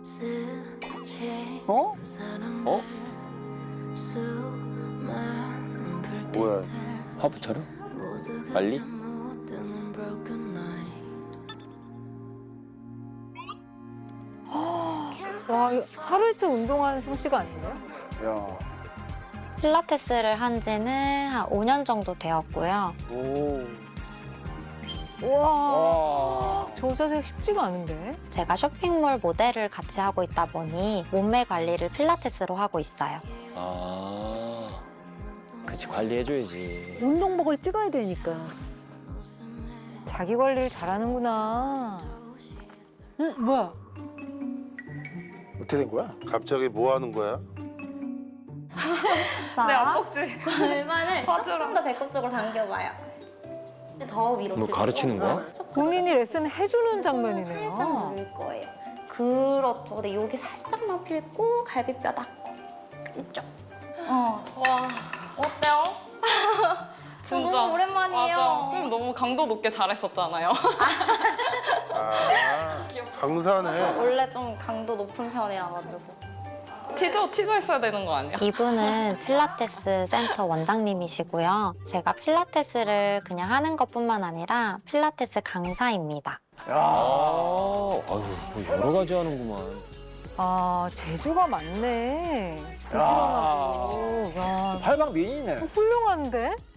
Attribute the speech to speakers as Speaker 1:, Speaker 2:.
Speaker 1: 어?
Speaker 2: 어? 뭐야?
Speaker 3: 화보 촬영? 빨리?
Speaker 1: 와, 이거 하루 이틀 운동하는 솜씨가 아닌데요?
Speaker 2: 야.
Speaker 4: 필라테스를 한 지는 한 5년 정도 되었고요.
Speaker 2: 오.
Speaker 1: 우와,
Speaker 2: 와.
Speaker 1: 저 자세 쉽지가 않은데?
Speaker 4: 제가 쇼핑몰 모델을 같이 하고 있다 보니 몸매 관리를 필라테스로 하고 있어요.
Speaker 3: 아, 그치 관리해줘야지.
Speaker 1: 운동복을 찍어야 되니까. 자기 관리를 잘하는구나. 응, 뭐야?
Speaker 2: 어떻게 된 거야?
Speaker 5: 갑자기 뭐 하는 거야?
Speaker 4: 자,
Speaker 6: 내 앞꼭지.
Speaker 4: 골반을
Speaker 6: 맞아라.
Speaker 4: 조금 더 배꼽 쪽으로 당겨봐요. 더 위로.
Speaker 3: 뭐 가르치는 거야?
Speaker 1: 본인이 레슨 해주는
Speaker 4: 살짝
Speaker 1: 장면이네요.
Speaker 4: 누를 거예요. 그렇죠. 근데 여기 살짝만 펴고 갈비뼈 닿고 이쪽.
Speaker 6: 와, 어때요? 진짜
Speaker 4: 너무 오랜만이에요.
Speaker 6: 맞아. 선생님 너무 강도 높게 잘했었잖아요.
Speaker 5: 아, 강사네.
Speaker 4: 원래 좀 강도 높은 편이라 가지고.
Speaker 6: 티저 했어야 되는 거 아니야?
Speaker 4: 이분은 필라테스 센터 원장님이시고요. 제가 필라테스를 그냥 하는 것뿐만 아니라 필라테스 강사입니다.
Speaker 2: 야.
Speaker 3: 아유, 뭐 여러 가지 하는구만.
Speaker 1: 아, 재주가 많네. 부지런하고. 야,
Speaker 2: 팔방 미인이네.
Speaker 1: 훌륭한데?